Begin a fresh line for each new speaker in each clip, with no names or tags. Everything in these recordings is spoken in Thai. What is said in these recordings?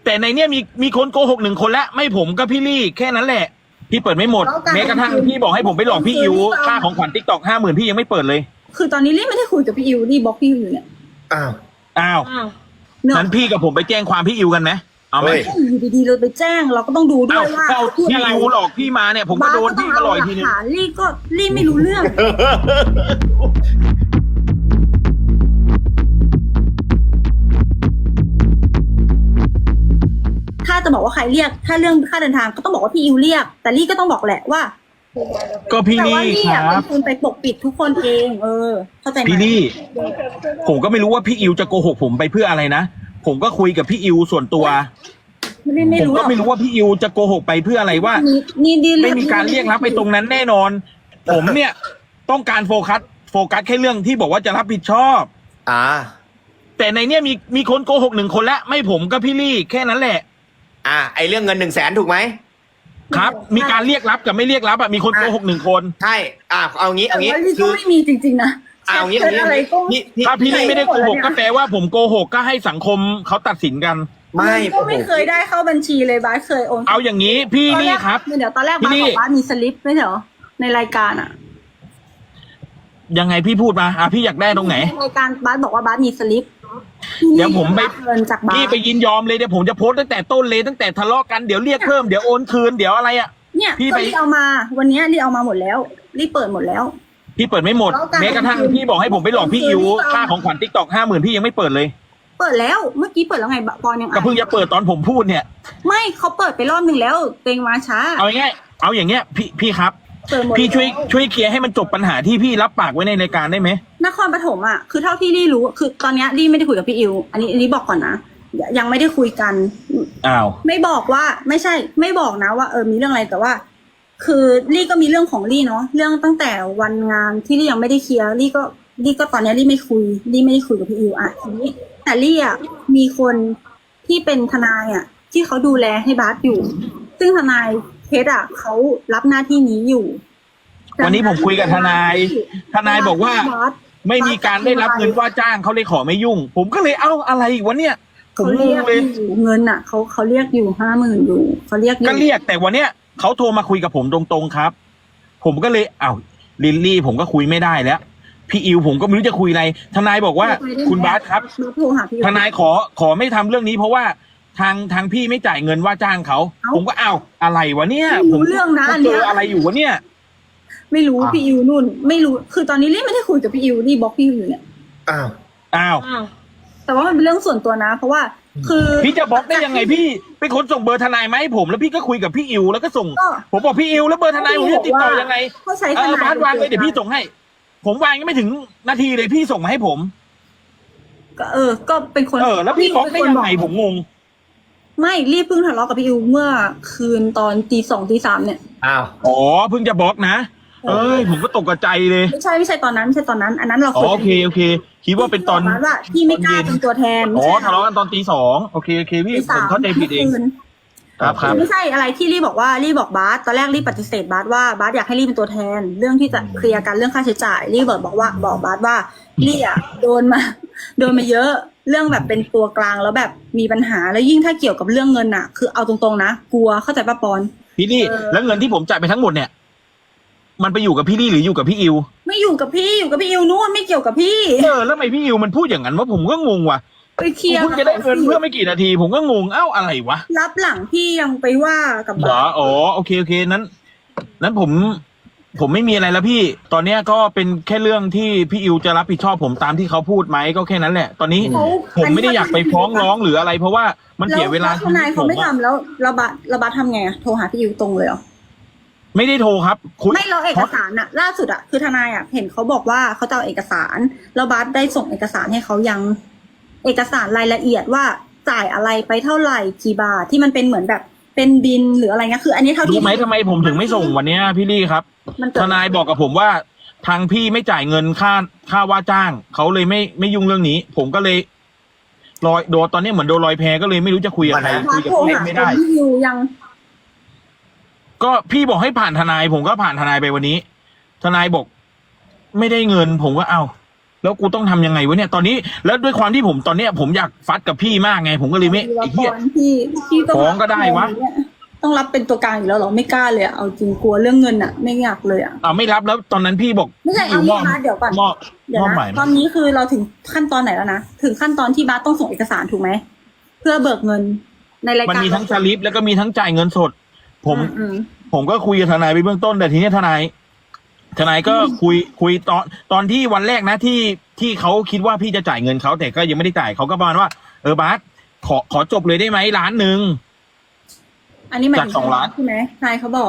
แต่ในเนี้ยมีคนโกหก1 คนแล้วไม่ผมก็พี่ลี่แค่นั้นแหละพี่เปิดไม่หมดแม้กระทั่งพี่บอกให้ผมไปหลอกพี่อิวค่าของขวัญติ๊กต็อก50,000พี่ยังไม่เปิดเลย
คือตอนนี้ลี่ไม่ได้คุยกับพี่อิวลี่บล็อกพี่อิวอยู่เนี่ย
อ้าวนั้นพี่กับผมไปแจ้งความพี่อิวกันไหมเอาไหม
อยู่ดีๆเราไปแจ้งเราก็ต้องดูด้วยว่า
พี่อิวหลอกพี่มาเนี่ยผมก็โดนพี่ก็ลอยทีนึง
ลี่ไม่รู้เรื่องถ้าจะบอกว่าใครเรียกถ้าเรื่องค่าเดินทางก็ต้องบอกว่าพี่อิวเรียกแต่ลี่ก็ต้องบอกแหละว่า
ก็พี่ลี่ครับ
คุณไปปกปิดทุกคนเองเข้าใจไหม
พี่ลี่ผมก็ไม่รู้ว่าพี่อิวจะโกหกผมไปเพื่ออะไรนะผมก็คุยกับพี่อิวส่วนตัวผมก็ไม่รู้ว่าพี่อิวจะโกหกไปเพื่ออะไรว่าไม่มีการเรียกรับไปตรงนั้นแน่นอนผมเนี่ยต้องการโฟกัสแค่เรื่องที่บอกว่าจะรับผิดชอบแต่ในเนี้ยมีคนโกหก1 คนแล้วไม่ผมก็พี่ลี่แค่นั้นแหละ
ไอเรื่องเงิน100,000ถูกไหม
ครับมีการเรียกรับกับไม่เรียกรับมีคนโกหก1 คน
ใช่เอางี้
คือไม่มีจริงๆนะ
เอางี้
ถ้าพี่ลี่ไม่ได้โกหกก็แปลว่าผมโกหกก็ให้สังคมเขาตัดสินกัน
ไม่เคยได้เข้าบัญชีเลยบ้าเคยโอน
เอาอย่างนี้พี่ลี่ครับ
เดี๋ยวตอนแรกบ้าบอกว่ามีสลิปไม่ใช่เหรอในรายการ
ยังไงพี่พูดมาพี่อยากได้ตรงไหน
รายการบ้าบอกว่าบ้ามีสลิป
เดี๋ยวผมไป
เงินจากบ้า
พี่ไปยินยอมเลยเดี๋ยวผมจะโพสตั้งแต่ต้นเลยตั้งแต่ทะเลาะกันเดี๋ยวเรียกเพิ่มเดี๋ยวโอนคืนเดี๋ยวอะไร
เนี่ยพี่ไปเอามาวันนี้รีเอามาหมดแล้วรีเปิดหมดแล้ว
พี่เปิดไม่หมดแม้กระทั่งพี่บอกให้ผมไปหลอกพี่อิวค่าของขวัญติ๊กต็อก50,000พี่ยังไม่เปิดเลย
เปิดแล้วเมื่อกี้เปิดแล้วไงปอนยัง
ก็เพิ่งจะเปิดตอนผมพูดเนี่ย
ไม่เขาเปิดไปรอบนึงแล้วเต็งมาช้า
เอาอย่างเงี้ยพี่ครับพี่ช่วยเคลียร์ให้มันจบปัญหาที่พี่รับปากไว้ในรายการได้ไหม
นครปฐมคือเท่าที่ลี่รู้คือตอนนี้ลี่ไม่ได้คุยกับพี่อิวอันนี้บอกก่อนนะยังไม่ได้คุยกันไม่บอกว่าไม่ใช่ไม่บอกนะว่ามีเรื่องอะไรแต่ว่าคือลี่ก็มีเรื่องของลี่เนาะเรื่องตั้งแต่วันงานที่ลี่ยังไม่ได้เคลียร์ลี่ก็ตอนนี้ลี่ไม่ได้คุยกับพี่อิวทีนี้แต่ลี่มีคนที่เป็นทนายที่เขาดูแลให้บาสอยู่ซึ่งทนายเพชรเขารับหน้าที่นี้อยู่
วันนี้ผมคุยกับทนายบอกว่าไม่มีการได้รับเงินว่าจ้างเขาเลยขอไม่ยุ่งผมก็เลยอะไรอีกวะเนี่ยผมงงเลย
เงินเขาเรียกอยู่50,000อยู่เขาเรียก
ก็เรียกแต่วันเนี้ยเขาโทรมาคุยกับผมตรงๆครับผมก็เลยลิลลี่ผมก็คุยไม่ได้แล้วพี่อิวผมก็ไม่รู้จะคุยอะไรทนายบอกว่าคุณบาสครับทนายขอไม่ทำเรื่องนี้เพราะว่าทางพี่ไม่จ่ายเงินว่าจ้างเขาผมก็อะไรวะเนี่ย
ผมเรื่องนะ
เจออะไรอยู่วะเนี่ย
ไม่รู้พี่อิวนู่นไม่รู้คือตอนนี้ลี่ไม่ได้คุยกับพี่อิวลี่บล็อกพี่อิวอยู่เนี่ยแต่ว่ามันเป็นเรื่องส่วนตัวนะเพราะว่าคือ
พี่จะบล็อกได้ยังไงพี่เป็นคนส่งเบอร์ทนายมาให้ผมแล้วพี่ก็คุยกับพี่อิวแล้วก็ส่งผมบอกพี่อิวแล้วเบอร์ทนายผมจะติดต่อยังไงบาสวางเลยเดี๋ยวพี่ส่งให้ผมวางยังไม่ถึงนาทีเลยพี่ส่งมาให้ผม
ก็เป็นคน
แล้วพี่บล็อกได้ยังไงผมงง
ไม่รีบเพิ่งทะเลาะกับพี่อิวเมื่อคืนตอนตี 2 ตี 3เนี่ย
เพิ่งจะบล็อกนะผมก็ตกใจเลย
ไม่ใช่ตอนนั้นอันนั้นเรา
โอเคคิดว่าเป็นตอน
ว่าพี่ไม่กล้าเป็นตัวแทน
ทะเลาะกันตอนตี 2โอเคพี่ผมเข้าใจผิดเองครับ
ไม่ใช่อะไรที่ลี่บอกว่าลี่บอกบาสตอนแรกลี่ปฏิเสธบาสว่าบาสอยากให้ลี่เป็นตัวแทนเรื่องที่จะเคลียร์กันเรื่องค่าใช้จ่ายลี่บอกบาสว่าลี่โดนมาเยอะเรื่องแบบเป็นตัวกลางแล้วแบบมีปัญหาแล้วยิ่งถ้าเกี่ยวกับเรื่องเงินคือเอาตรงๆนะกลัวเข้าใจป่ะปอน
พี่ลี่แล้วเงินที่ผมจ่ายไปทั้งหมดเนี่ยมันไปอยู่กับพี่ลี่หรืออยู่กับพี่อิว
ไม่อยู่กับพี่อยู่กับพี่อิวนู่นไม่เกี่ยวกับพี่
แล้วทำไมพี่อิวมันพูดอย่างนั้นว่าผมก็งงว่ะ
ไปเคลียร์
เพิ่งจะได้เงินเพื่อไม่กี่นาทีผมก็งงอะไรวะ
รับหลังพี่ยังไปว่ากับบาส
โอเคนั้นผมไม่มีอะไรแล้วพี่ตอนเนี้ยก็เป็นแค่เรื่องที่พี่อิวจะรับผิดชอบผมตามที่เขาพูดไหมก็แค่นั้นแหละตอนนี้ผมไม่ได้อยากไปฟ้องร้องหรืออะไรเพราะว่ามันเสียเวลา
ทนายเขาไม่ทำแล้วระบาดทำไงโทรหาพี่อิวตรงเลยเหรอ
ไม่ได้โทรครับ
ไม่เราเอกสารล่าสุดคือทนายเห็นเขาบอกว่าเขาจะเอาเอกสารแล้วบาสได้ส่งเอกสารให้เขายังเอกสารรายละเอียดว่าจ่ายอะไรไปเท่าไหร่กี่บาทที่มันเป็นเหมือนแบบเป็นบินหรืออะไรเงี้ยคืออันนี้เท่าที่
รู้ไหมทำไมผมถึงไม่ส่งวันนี้พี่ลี่ครับทนายบอกกับผมว่าทางพี่ไม่จ่ายเงินค่าว่าจ้างเขาเลยไม่ยุ่งเรื่องนี้ผมก็เลยโดนตอนนี้เหมือนโดนลอยแพก็เลยไม่รู้จะคุยกับใครคุยกับพี่ไม่ได้ก็พี่บอกให้ผ่านทนายผมก็ผ่านทนายไปวันนี้ทนายบอกไม่ได้เงินผมก็แล้วกูต้องทำยังไงวะเนี่ยตอนนี้แล้วด้วยความที่ผมตอนเนี้ยผมอยากฟัดกับพี่มากไง ผมก็เลยไม่ไอ้เหี้ย
พี่
ฟ้องก็ได้วะ
ต้องรับเป็นตัวกลางอยู่แล้วเหรอไม่กล้าเลยอะเอาจริงกลัวเรื่องเงินอะไม่อยากเลยอะ
ไม่รับแล้วตอนนั้นพี่บอก
ไม่ใช่เอา
ม
งี้
อบ
นะเดี๋ยวก่อน
มอบ
เดี๋ยว
มอบห
นะ
มาย
ตอนนี้คือเราถึงขั้นตอนไหนแล้วนะถึงขั้นตอนที่บาสต้องส่งเอกสารถูกไหมเพื่อเบิกเงินในรายการ
มันมีทั้งสลิปแล้วก็มีทั้งจ่ายเงินสด
อืม
ผมก็คุยกับทนายไปเบื้องต้นแต่ทีนี้ทนายก็คุยตอนที่วันแรกนะที่เขาคิดว่าพี่จะจ่ายเงินเขาแต่ก็ยังไม่ได้จ่ายเขาก็ประมาณว่าบาสขอจบเลยได้ไหม1 ล้าน
อันนี้หมายถึ
จาก2 ล้าน
ใช่ไหมนายเขาบอก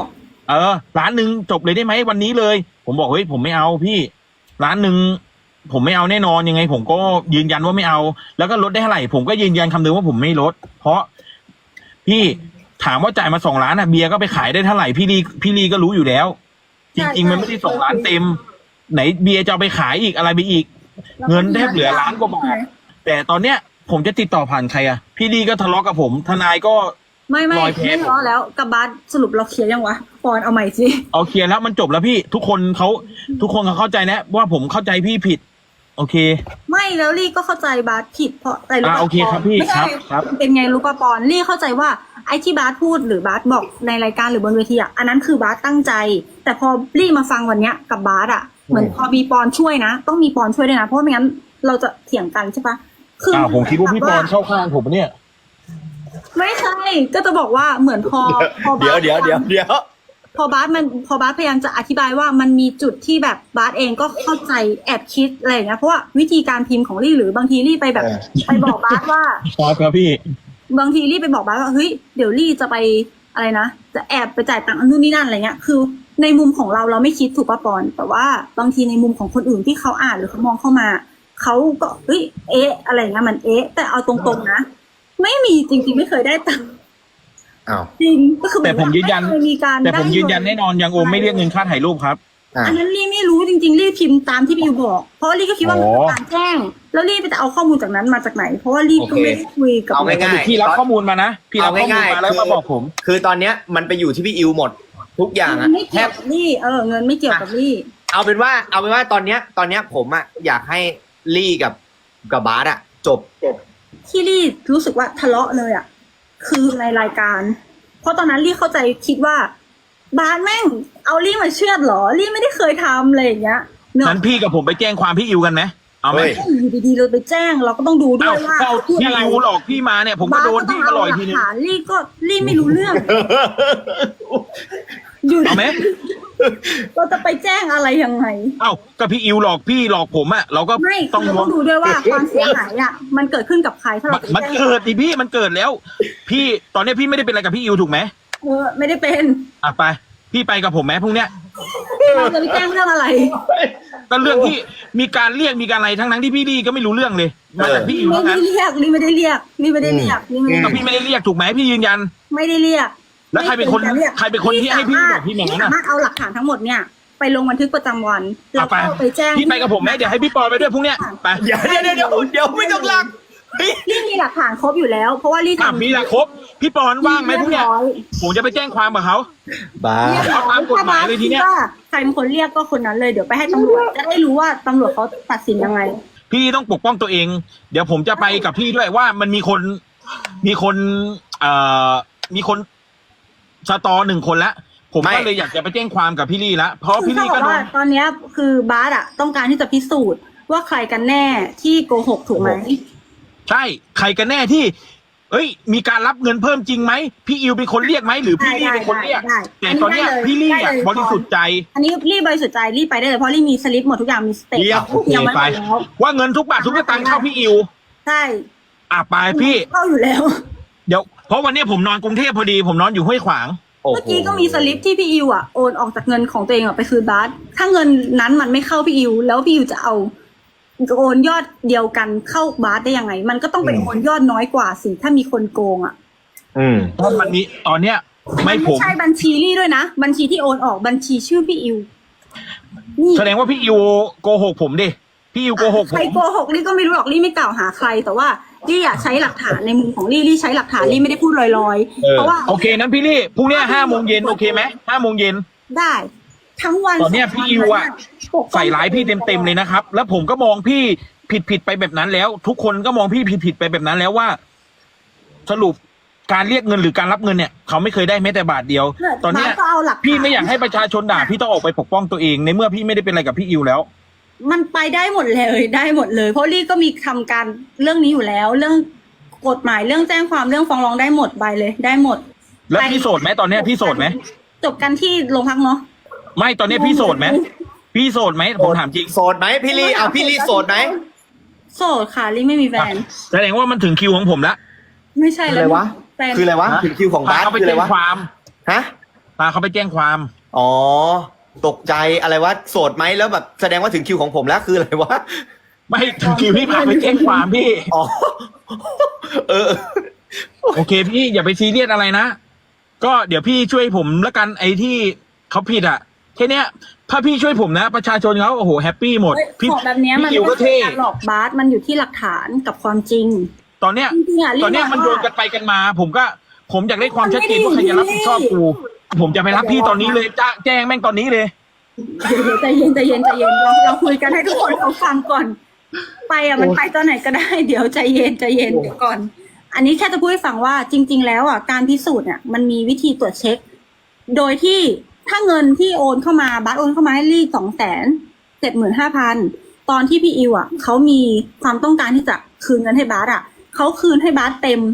1 ล้านจบเลยได้ไหมวันนี้เลย ผมบอกเฮ้ยผมไม่เอาพี่1 ล้านผมไม่เอาแน่นอนยังไง ผมก็ยืนยันว่าไม่เอา แล้วก็ลดได้เท่าไหร่ผมก็ยืนยันคำเดิมว่าผมไม่ลด เพราะพี่ถามว่าจ่ายมา2 ล้านเบียร์ก็ไปขายได้เท่าไหร่พี่ลีก็รู้อยู่แล้ว จริงๆมันไม่ได้2 ล้านเต็ม ไหนเบียร์จะเอาไปขายอีกอะไรไปอีก เงินแทบเหลือ1 ล้านกว่าบาทแต่ตอนเนี้ยผมจะติดต่อผ่านใครพี่ลีก็ทะเลาะกับผมทนายก็
ไม่
รอยแผล
ไม่ล้อแล้วกับบาสสรุปเราเคลียร์ยังวะปอนเอาใหม่สิ
เอาเคลียร์แล้วมันจบแล้วพี่ทุกคนเขาเข้าใจนะว่าผมเข้าใจพี่ผิด โอเค
ไม่แล้วลี่ก็เข้าใจบาสผิดเพราะอะไรรู้ป่ะ
โอเคครับพี่
ไม่ใช่
ครับ
เป็นไงรู้ป่ะปอนลี่เข้าใจว่าไอ้ที่บาสพูดหรือบาสบอกในรายการหรือบนเวทีอ่ะอันนั้นคือบาสตั้งใจ แต่พอลี่มาฟังวันเนี้ยกับบาสอ่ะเหมือนพอมีปอนช่วยนะต้องมีปอนช่วยด้วยนะเพราะไม่งั้นเราจะเถียงกันใช่ปะคือ
ผมคิดว่าพี่ปอนเข้าข้างผมเนี่ย
ไม่ใช่ก็จะบอกว่าเหมือนพอบาส
เดี๋ยว
พอบาสพยายามจะอธิบายว่ามันมีจุดที่แบบบาสเองก็เข้าใจแอบคิดอะไรอย่างเงี้ยเพราะว่าวิธีการพิมพ์ของลี่หรือบางทีลี่ไปแบบไปบอกบาสว่า
ครับพี่
บางทีลี่ไปบอกบาสว่าเฮ้ยเดี๋ยวลี่จะไปอะไรนะจะแอบไปจ่ายตังค์นู่นนี่นั่นอะไรเงี้ยคือในมุมของเราไม่คิดถูกป่ะปอนแต่ว่าบางทีในมุมของคนอื่นที่เขาอ่านหรือเขามองเข้ามาเขาก็เฮ้ยอะไรเงี้ยมันแต่เอาตรงๆนะไม่มีจริงๆไม่เคยได้ตังค์
อ้าว
จริงก็คือ
แต่ผมยืนยัน
ไเคมีการ
แต่ผม
ได้
ยืนยันแน่นอนยังโอมไม่เรียกเงินค่าถ่ายรูปครับ
อันนั้นลี่ไม่รู้จริงๆลี่พิมพ์ตามที่พี่ยูบอก เพราะลี่ก็คิดว่ามันเป็นการแจ้งแล้วลี่ไปจะเอาข้อมูลจากนั้นมาจากไหน เพราะว่าลี่ก็ไม่ได้คุยกับ
เอาง่ายๆ
พี่รับข้อมูลมานะพี่รับข้อมูลมาแล้วมาบอกผม
คือตอนเนี้ยมันไปอยู่ที่พี่อิวหมด ทุกอย่างอะ
ไม่เกี่ยวกับลี่เงินไม่เกี่ยวกับลี่
เอาเป็นว่าตอนเนี้ยผมอะอยากให้ลี่กับบาสอะจบ
ที่ลี่รู้สึกว่าทะเลาะเลยอ่ะคือในรายการ เพราะตอนนั้นลี่เข้าใจคิดว่าบาสแม่งเอาลี่มาเชือดเหรอลี่ไม่ได้เคยทำอะไรอย่างเงี้ยเนอะ
นั้นพี่กับผมไปแจ้งความพี่อิวกันไหมเอาไหม
เฮ้ย
อยู่ดีๆเราไปแจ้งเราก็ต้องดูด้วยว่า
เอาพี่อิวหลอกพี่มาเนี่ยผมก็โดนพี่ก็ลอยทีนึง
บาสก็ต้องเอาหลักฐานลี่ไม่รู้เรื่อง อยู่
เอาไหม
เราจะไปแจ้งอะไรยังไง
ก็พี่อิวหลอกพี่หลอกผมอะเราก็
ไม่
ต้อง
เราต้องดูด้วยว่าความเสียหายอ่ะมันเกิดขึ้นกับใครถ้าเราไป
มัน
แจ้ง
เกิดดิพี่มันเกิดแล้ว พี่ตอนนี้พี่ไม่ได้เป็นอะไรกับพี่อิวถูกไหม
ไม่ได้เป็น
ไปพี่ไปกับผมไหมพรุ่งเนี้ย
เราจะไปแจ้งเรื่องอะไร
ก็เรื่องที่มีการเรียกมีการอะไรทั้งที่พี่ลี่ก็ไม่รู้เรื่องเลยมาจากพี่อิว
ไม่
ทั้ง
ได้
นั้น
เรียกลี่ไม่ได้เรียกลี่ไม่ได้เรียกลี่ไม่ได้
ก็พี่ไม่ได้เรียกถูกไหมพี่ยืนยัน
ไม่ได้เรียก
แล้วใครเป็นคนที่ให้พี่บอกพี่อย่างนั้น
สา
น่ะ
มารถเอาหลักฐานทั้งหมดเนี่ยไปลงบันทึกประจำวันแล้วก็ไปแจ้ง
พี่ไปกับผมไหมเดี๋ยวให้พี่ปอไปด้วยพรุ่งเนี้ยไป
เดี๋ยวไม่ต้องลักเฮ้ย
ลี่มีหลักฐานครบอยู่แล้ว เพราะว่าลี่ทำ
มีละครบพี่ปอนว่างไหมพรุ่งเนี้ยผมจะไปแจ้งความกับเขา
บ้า
เอาตามกฎหมายเลยทีเนี้ย
ว่าใครเป็นคนเรียกก็คนนั้นเลยเดี๋ยวไปให้ตำรวจจะได้รู้ว่าตำรวจเขาตัดสินยังไง
พี่ต้องปกป้องตัวเอง เดี๋ยวผมจะไปกับพี่ด้วยว่ามันมีคนมีคนสตอ1 คนแล้วผมก็เลยอยากจะไปแจ้งความกับพี่ลี่ละเพราะพี่ลี่ก็โดน
ตอนเนี้ยคือบาสอะต้องการที่จะพิสูจน์ว่าใครกันแน่ที่โกหกถูกไหม
ใช่ใครกันแน่ที่มีการรับเงินเพิ่มจริงไหมพี่อิวเป็นคนเรียกไหมหรือพี่ลี่เป็นคนเรียกแต่ตอนเนี้ยพี่ลี่อะบริสุทธิ์ใจ
อันนี้ลี่บริสุทธิ์ใจลี่ไปได้เลยเพราะลี่มีสลิปหมดทุกอย่างมีสเตท
เรียกโอเค
ยังไม่
ไป
หมดแล้ว
ว่าเงินทุกบาททุกสตางค์เข้าพี่อิว
ใช่
ไปพี่
เข้าอยู่แล้ว
เดี๋ยวเพราะวันนี้ผมนอนกรุงเทพพอดีผมนอนอยู่ห้วยขวาง
โอ้โห
เมื่อกี้ก็มีสลิปที่พี่อิวอะโอนออกจากเงินของตัวเองอะไปคืนบาสถ้าเงินนั้นมันไม่เข้าพี่อิวแล้วพี่อิวจะเอาโอนยอดเดียวกันเข้าบาสได้ยังไง มันก็ต้องไปโอนยอดน้อยกว่าสิถ้ามีคนโกงอะ
เพราะมันมีตอนเนี้ยไม่ผม
ใช่บัญชีลี่ด้วยนะบัญชีที่โอนออกบัญชีชื่อพี่อิวนี่
แสดงว่าพี่อิวโกหกผมดิพี่อิวโกหกผ
ใคร
ม
โกหกลี่ก็ไม่รู้หรอกลี่ไม่กล่าวหาใคร แต่ว่าลี่อยากใช้หลักฐานในมุมของลี่ใช้หลักฐานลี่ไม่ได้พูดลอยๆเพราะว่า
โอเคนั้นพี่ลี่พรุ่งนี้5 โมงเย็นโอเคไหม5 โมงเย็น
ได้ทั้งวัน
ตอนเนี้ยพี่อิวอะใส่ร้ายพี่เต็มๆเลยนะครับ แล้วผมก็มองพี่ผิดไปแบบนั้นแล้ว ทุกคนก็มองพี่ผิดไปแบบนั้นแล้วว่า สรุปการเรียกเงินหรือการรับเงินเนี่ยเขาไม่เคยได้แม้แต่บาทเดียว ตอนเนี้ย
ก็เอาหลักฐน
พี่ไม่อยากให้ประชาชนด่าพี่ต้องออกไปปกป้องตัวเองในเมื่อพี่ไม่ได้เป็นอะไรกับพี่อิวแล้ว
มันไปได้หมดเลยได้หมดเลย เพราะลี่ก็มีทำการเรื่องนี้อยู่แล้ว เรื่องกฎหมายเรื่องแจ้งความเรื่องฟ้องร้องได้หมดใบเลยได้หมด
แล้วพี่โสดไหมตอนเนี้ยพี่โสดไหม
จบกันที่โรงพักเนาะ
ไม่ตอนเนี้ยพี่โสดไหมพี่โสดไหมผมถามจริง
โสดไหมพี่ลี่เอาพี่ลี่โสดไหม
โสดค่ะลี่ไม่มีแฟน
แสดงว่ามันถึงคิวของผมแล้ว
ไม่ใช่
คือ
แล้
อะไร
ว
วะ
แฟน
คืออะไรวะถึงคิวของ
พา
บาส
เขาไป
คืออะไร
แจ้ง
วะ
ความ
ฮะ
พาเขาไปแจ้งความ
อ๋อตกใจอะไรวะโสดไหมแล้วแบบแสดงว่าถึงคิวของผมแล้วคืออะไรวะ
ไม่ถึงคิวพี่พาไปแจ้งความพี่
อ๋อเออ
โอเคพี่อย่าไปซีเรียสอะไรนะ ก็เดี๋ยวพี่ช่วยผมละกันไอ้ที่เขาผิดอ่ะแค่เนี้ยถ้าพี่ช่วยผมนะ ประชาชนเขาโอ้โหแฮปปี้หมด พี่
ของแบบเนี้ยมัน
พี่อิวก็
ไม่ใช่
เท่
การหลอกบาสมันอยู่ที่หลักฐานกับความจริง
ตอนเนี้ย
จริงๆอะลี่
ตอนเนี้ยมัน
ว่า
โยนกันไปกันมา ผมอยากได้ความชัดเจนว่าใครจะรับผิดชอบกูผมจะไปรับพี่ตอนนี้เลยแจ้งแม่งตอนนี้เลย
เดี๋ยวใจเย็นเราคุยกันให้ทุกคนเขาฟังก่อน ไปอ่ะมันไปตอนไหนก็ได้ เดี๋ยวใจเย็นเดี๋ยวก่อน อันนี้แค่จะพูดให้ฟังว่าจริง ๆ แล้วอ่ะการพิสูจน์เนี่ยมันมีวิธีตรวจเช็ค โดยที่ถ้าเงินที่โอนเข้ามาบัสโอนเข้ามาให้ลี่275,000ตอนที่พี่อิวอ่ะเขามีความต้องการที่จะคืนเงินให้บัสอ่ะเขาคืนให้บัสเต็ม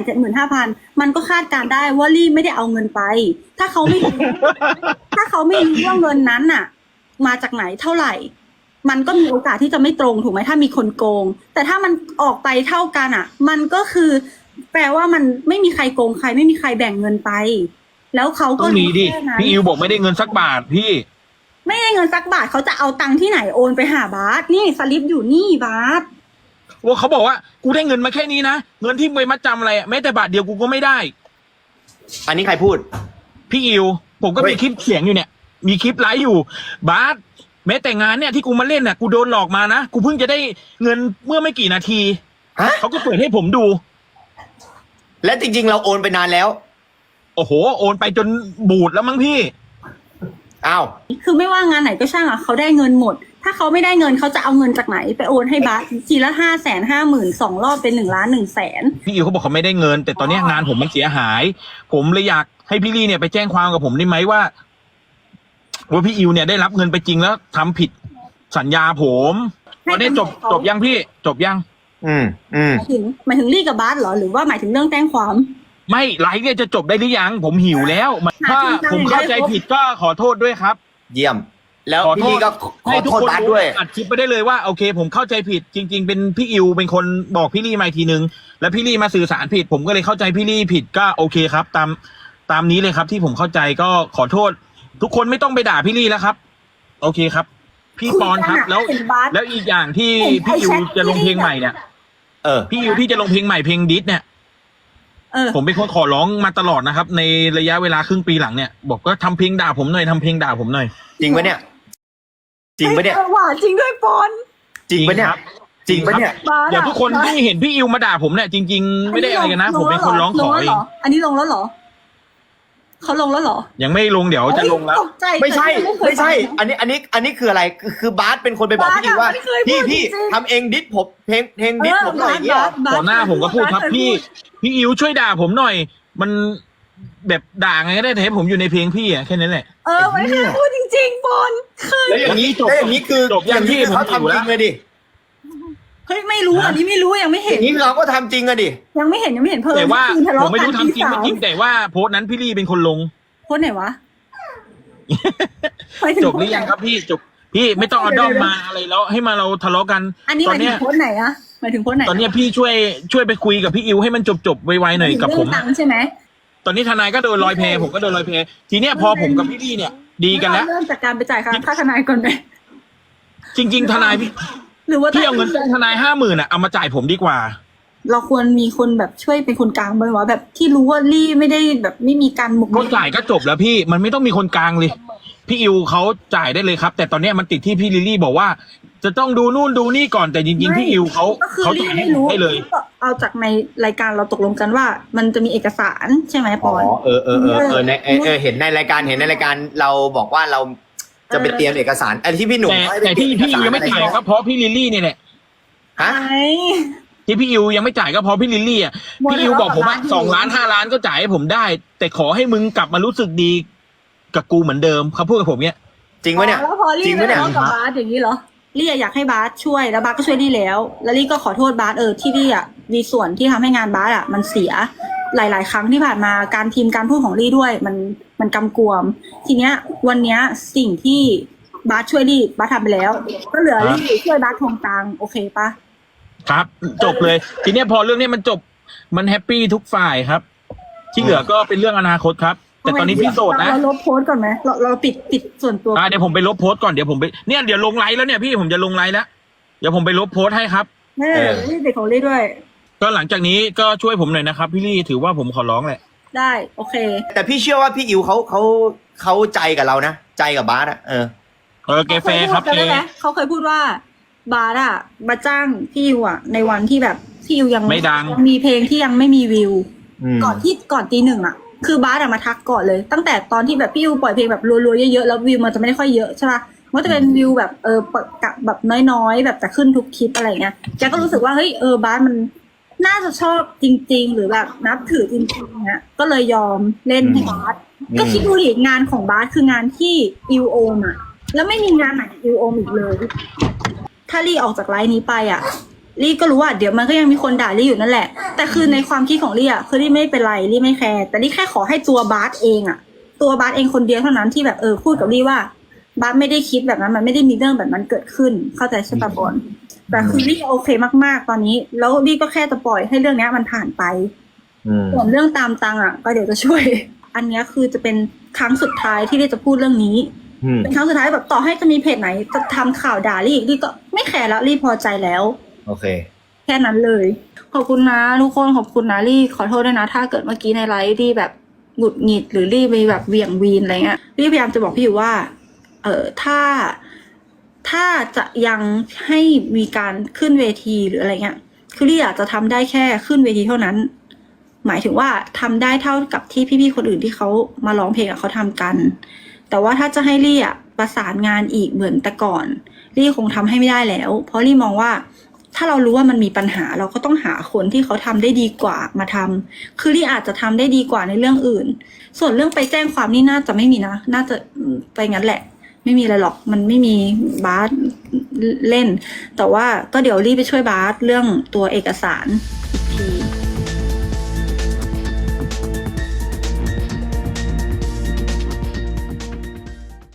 275,000มันก็คาดการณ์ได้ว่าลี่ไม่ได้เอาเงินไป ถ้าเขาไม่ ถ้าเขาไม่รู้ว่าเงินนั้นน่ะ มาจากไหนเท่าไหร่ มันก็มีโอกาสที่จะไม่ตรงถูกไหมถ้ามีคนโกง แต่ถ้ามันออกไปเท่ากันอ่ะ มันก็คือ แปลว่ามันไม่มีใครโกงใครไม่มีใครแบ่งเงินไป แล้วเขาก็
ต้องมีดิ
แค่นั้น
พี่อิวบอกไม่ได้เงินสักบาทพี่
ไม่ได้เงินสักบาทเขาจะเอาตังค์ที่ไหนโอนไปหาบาสนี่สลิปอยู่นี่บาส
ว่าเขาบอกว่ากูได้เงินมาแค่นี้นะเงินที่ไปมัดจำอะไรอะแม้แต่บาทเดียวกูก็ไม่ได้
อันนี้ใครพูด
พี่อิวผมก็
เฮ้
มี
ย
คลิปเสียงอยู่เนี่ย มีคลิปไลฟ์อยู่บาสแม้แต่งานเนี่ยที่กูมาเล่นน่ะกูโดนหลอกมานะกูเพิ่งจะได้เงินเมื่อไม่กี่นาที
ฮะ
เขาก็เปิดให้ผมดู
และจริง ๆ เราโอนไปนานแล้ว
โอ้โหโอนไปจนบูดแล้วมั้งพี่
อ้าว
คือไม่ว่างานไหนก็ช่างอ่ะเขาได้เงินหมด ถ้าเขาไม่ได้เงินเขาจะเอาเงินจากไหนไปโอนให้บาสทีละ550,000 2 รอบเป็น1,100,000
พี่อิวเขาบอกเขาไม่ได้เงิน แต่ตอนเนี้ยงานผมมันเสียหาย ผมเลยอยากให้พี่ลี่เนี่ยไปแจ้งความกับผมได้ไหมว่าพี่อิวเนี่ยได้รับเงินไปจริงแล้วทำผิดสัญญาผมตอนนี้จบยังพี่จบยัง
อืม
หมายถึงลี่กับบาสเหรอหรือว่าหมายถึงเรื่องแจ้งความ
ไม่ไลฟ์เนี่ยจะจบได้หรือยังผมหิวแล้วถ้าผมเข้าใจผิดก็ขอโทษด้วยครับ
เยี่ยม แล้ว
ขอโทษ
พี่ลี่ก็ข
ให้
อ
ทุก
โทษ
คน
บาสด้วย
อัดคลิปไปได้เลยว่าโอเค ผมเข้าใจผิดจริง ๆ เป็นพี่อิวเป็นคนบอกพี่ลี่มาอีกทีนึงแล้วพี่ลี่มาสื่อสารผิด ผมก็เลยเข้าใจพี่ลี่ผิดก็โอเคครับ ตามนี้เลยครับ ที่ผมเข้าใจก็ขอโทษ ทุกคนไม่ต้องไปด่าพี่ลี่แล้วครับ โอเคครับ พี่ปอนครับ แล้ว
เห็นบาส
แล้วอีกอย่างที่พี่อิวจะลงเพลงใหม่เนี่ย
เออ
พี่อิวที่จะลงเพลงใหม่เพลงดิสเนี่ย ผมเป็นคนขอร้องมาตลอดนะครับ ในระยะเวลาครึ่งปีหลังเนี่ย บอกว่าทำเพลงด่าผมหน่อยทำเพลงด่าผมหน่อย
จริงปะเนี่ย จริงปะเนี่ย
หวานจริงด้วยปอน
จริงปะเนี่ย
ครับ
จริงปะเนี่ย
บาส
เดี๋ยวทุกคนที่เห็นพี่อิวมาด่าผมเนี่ยจริง ๆ ไม่ได้อะไรกันนะ ผมเป็นคนร้องขอเอง
อันนี้ลงแล้วเหรอเขาลงแล้วเหรอ
ยังไม่ลงเดี๋ยวจะลงแล้ว
ตกใจ
ไม่ใช่
แต่เคย
ไม่ใช่
ฟังนะ
อันนี้คืออะไรคือบาสเป็นคนไปบอกพี่ว่า
บาสอะไม่เคยพูด
พี่
จริงๆ
ทำเองดิสผมเพลงดิสผมหน่อยอย่างเงี้ยเหรอ
ต่อหน้าผมก็พูดครับพี่อิวช่วยด่าผมหน่อย มันแบบด่าไงก็ได้แต่ให้ผมอยู่ในเพลงพี่อะแค่นั้นแหละ
ไม่เคยพูดจริงๆปอนเคย
แล้วอย่างนี้
จบ
แล้วอย่างนี้คือ
จบยังพี่
เขา
ผมอยู่
ทำจ
แล้
ริ
ว
งเลยดิ
เฮ้ยไม่รู้อันนี้ไม่รู้ยังไม่
อ
เห็น
ย่างนี้เราก็ทำจริงอะดิ
ยังไม่เห็นเพิ่ม
แต่ว่า
ทะเลาะ
ผมไม่รู้
กัน
ทำจริงไม่จริงแต่ว่าโพสต์นั้นพี่ลี่เป็นคนลง
โพสต์ไหนวะหมายถึ
จบหรือยังครับพี่จบพี่ไม่ต้องเอาด้อมมาอะไรแล้วให้มาเราทะเลาะกัน
อันนี้ห
ตอ
มาน ยถึ
เนี้
ง
ย
โพสต์ไหนอะหมายถึงโพสต์ไหน
ตอนเนี้ยพี่ช่วยไปคุยกับพี่อิวให้มันจบไวๆหน่อยกับผม
เรื่องตังค์ใช่ไหม
ตอนนี้ทนายก็โดนลอยแพผมก็โดนลอยแพทีเนี้ยพอผมกับพี่ลี่เนี่ย ดีกันแล้ว
เริ่มจากการไปจ่ายค่าทนายก่อนไหม
จริง ๆ ทนายพี่
หรือว่า
พี่เอาเงินจ้างทนาย50,000อ่ะเอามาจ่ายผมดีกว่า
เราควรมีคนแบบช่วยเป็นคนกลางไหมวะแบบที่รู้ว่าลี่ไม่ได้แบบไม่มีการหมก
ก็จ่ายก็จบแล้วพี่มันไม่ต้องมีคนกลางเลย พี่อิวเขาจ่ายได้เลยครับ แต่ตอนเนี้ยมันติดที่พี่ลิลลี่บอกว่า จะต้องดูนู่นดูนี่ก่อนแต่จริงๆพี่อิวเขา
ก็คือ
เขา
ลี่
จ่ายให้
ไม่
ผม
รู้
ได้เลย
เอาจากในรายการเราตกลงกันว่า มันจะมีเอกสารใช่ไหมป
อ๋
อ
อน เออในเห็นในรายการเราบอกว่าเราจะไปเตรียมเอกสารไอ้ที่พี่หนุ่มให้ไป
แต่ที่
เตรี
พี่อิวยังไม่จ่ายก็เพราะพี่ลิลลี่เนี่ยแหละ
ฮะ
ไอ้
ที่พี่อิวยังไม่จ่ายก็เพราะพี่ลิลลี่อ่ะพี่อิวบอกผมว่า2 ล้าน5 ล้านก็จ่ายให้ผมได้ แต่ขอให้มึงกลับมารู้สึกดีกับกูเหมือนเดิมเขาพูดกับผมเนี้ย
จริงปะเนี่ย
แล้วพอลี่
จริง
ไป
ปะเนี่ย
ทะเลาะกับบาสอย่างนี้เหรอลี่อยากให้บาสช่วยแล้วบาสก็ช่วยลี่แล้วลี่ก็ขอโทษบาสที่ลี่มีส่วนที่ทำให้งานบาสมันเสียหลาย ๆ ครั้งที่ผ่านมาการพิมพ์การพูดของลี่ด้วยมันกำกวม ทีเนี้ยวันเนี้ยสิ่งที่บาสช่วยลี่บาสทำไปแล้ว ก็เหลือลี่ช่วยบาสทวงตังค์โอเคปะ
ครับ จบเลย ทีเนี้ยพอเรื่องนี้มันจบมันแฮปปี้ทุกฝ่ายครับ ที่เหลือก็เป็นเรื่องอนาคตครับ แต่ตอนนี้พี่โสดนะ
เราลบโพสต์ก่อนไหมเราปิดส่วนตัว
เดี๋ยวผมไปลบโพสต์ก่อนเดี๋ยวผมไปเนี่ยเดี๋ยวลงไลน์แล้วเนี่ยพี่ผมจะลงไลน์แล้วเดี๋ยวผมไปลบโพสต์ให้ครับ
ไม่ได้ลี่เด็กของลี่ด้วย
ก็หลังจากนี้ก็ช่วยผมหน่อยนะครับพี่ลี่ถือว่าผมขอร้องแหละ
ได้โอเค
แต่พี่เชื่อว่าพี่อิวเขาใจกับเรานะใจกับบาสอะ
แกแฟร์ครับ
จำได้ไหมเขาเคยพูดว่าบาสมาจ้างพี่อิวในวันที่แบบพี่อิวยัง
ไม่ดัง
มีเพลงที่ยังไม่มีวิว
ม
ก่อนตี 1คือบาสมาทักก่อนเลย ตั้งแต่ตอนที่แบบพี่อิวปล่อยเพลงแบบรัวๆเยอะๆแล้ววิวมันจะไม่ได้ค่อยเยอะใช่ป่ะมันจะเป็นวิวแบบแบบน้อยๆแบบแต่ขึ้นทุกคลิปอะไรเงี้ยแกก็รู้สึกว่าเฮ้ยบาสมันน่าจะชอบจริง ๆ หรือแบบนับถือจริงๆเนี้ยก็เลยยอมเล่นให้บาสก็คิดดูดิงานของบาสคืองานที่อิวโอมแล้วไม่มีงานไหนอิวโอมอีกเลย ถ้าลี่ออกจากไลน์นี้ไปลี่ก็รู้ว่าเดี๋ยวมันก็ยังมีคนด่าลี่อยู่นั่นแหละ แต่คือในความคิดของลี่คือลี่ไม่เป็นไรลี่ไม่แคร์แต่ลี่แค่ขอให้ตัวบาสเองตัวบาสเองคนเดียวเท่านั้นที่แบบพูดกับลี่ว่าบาสไม่ได้คิดแบบนั้นมันไม่ได้มีเรื่องแบบนั้นเกิดขึ้นเข้าใจใช่ปะบอลแต่คือลี่โอเคมากๆตอนนี้แล้วลี่ก็แค่จะปล่อยให้เรื่องนี้มันผ่านไปส่วนเรื่องตามตังก็เดี๋ยวจะช่วย อันนี้คือจะเป็นครั้งสุดท้ายที่ลี่จะพูดเรื่องนี้เป็นครั้งสุดท้ายแบบต่อให้จะมีเพจไหนจะทำข่าวด่าลี่อีกลี่ก็ไม่แคร์แล้วลี่พอใจแล้ว
โอเค
แค่นั้นเลยขอบคุณนะทุกคนขอบคุณนะลี่ขอโทษด้วยนะถ้าเกิดเมื่อกี้ในไลฟ์ลี่แบบหงุดหงิดหรือลี่ไปแบบเหวี่ยงวีนอะไรเงี้ยลี่พยายามจะบอกพี่อยู่ว่าถ้าจะยังให้มีการขึ้นเวทีหรืออะไรเงี้ยคือลี่อยากจะทำได้แค่ขึ้นเวทีเท่านั้นหมายถึงว่าทำได้เท่ากับที่พี่ๆคนอื่นที่เขามาร้องเพลงเขาทำกันแต่ว่าถ้าจะให้ลี่ประสานงานอีกเหมือนแต่ก่อนลี่คงทำให้ไม่ได้แล้วเพราะลี่มองว่าถ้าเรารู้ว่ามันมีปัญหาเราก็ต้องหาคนที่เขาทำได้ดีกว่ามาทำคือลี่อาจจะทำได้ดีกว่าในเรื่องอื่นส่วนเรื่องไปแจ้งความนี่น่าจะไม่มีนะน่าจะไปงั้นแหละไม่มีอะไรหรอกมันไม่มีบาสเล่นแต่ว่าก็เดี๋ยวลี่ไปช่วยบาสเรื่องตัวเอกสาร